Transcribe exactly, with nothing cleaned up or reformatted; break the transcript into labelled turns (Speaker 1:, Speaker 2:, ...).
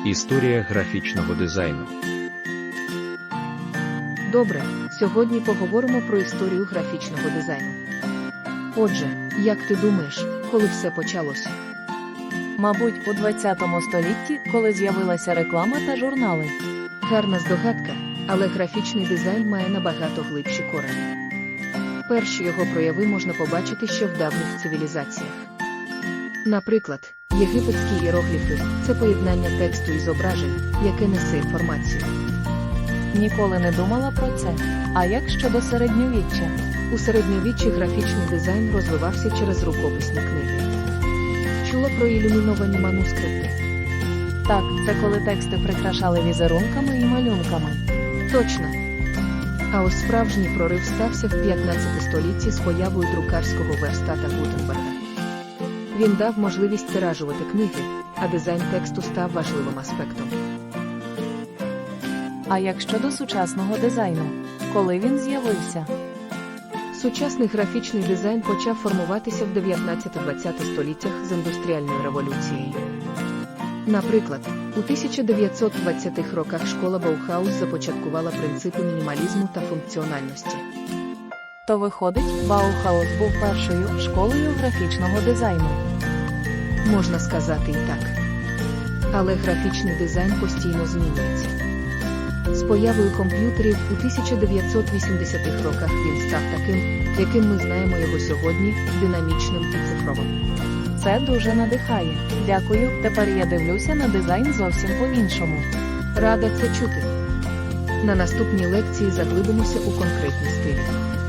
Speaker 1: Історія графічного дизайну.
Speaker 2: Добре, сьогодні поговоримо про історію графічного дизайну. Отже, як ти думаєш, коли все почалося?
Speaker 3: Мабуть, у двадцятому столітті, коли з'явилася реклама та журнали.
Speaker 2: Гарна здогадка, але графічний дизайн має набагато глибші корені. Перші його прояви можна побачити ще в давніх цивілізаціях. Наприклад, єгипетські іерогліфи – це поєднання тексту і зображень, яке несе інформацію.
Speaker 3: Ніколи не думала про це. А як щодо середньовіччя?
Speaker 2: У середньовіччі графічний дизайн розвивався через рукописні книги. Чула про ілюміновані манускрипти?
Speaker 3: Так, це коли тексти прикрашали візерунками і малюнками.
Speaker 2: Точно. А ось справжній прорив стався в п'ятнадцятому столітті з появою друкарського верстата Гутенберга. Він дав можливість тиражувати книги, а дизайн тексту став важливим аспектом.
Speaker 3: А як щодо сучасного дизайну? Коли він з'явився?
Speaker 2: Сучасний графічний дизайн почав формуватися в дев'ятнадцятому-двадцятому століттях з індустріальною революцією. Наприклад, у тисяча дев'ятсот двадцятих роках школа Баухаус започаткувала принципи мінімалізму та функціональності.
Speaker 3: То виходить, Баухаус був першою школою графічного дизайну.
Speaker 2: Можна сказати і так. Але графічний дизайн постійно змінюється. З появою комп'ютерів у тисяча дев'ятсот вісімдесятих роках він став таким, яким ми знаємо його сьогодні, динамічним і цифровим.
Speaker 3: Це дуже надихає. Дякую, тепер я дивлюся на дизайн зовсім по-іншому.
Speaker 2: Рада це чути. На наступній лекції заглибимося у конкретні стилі.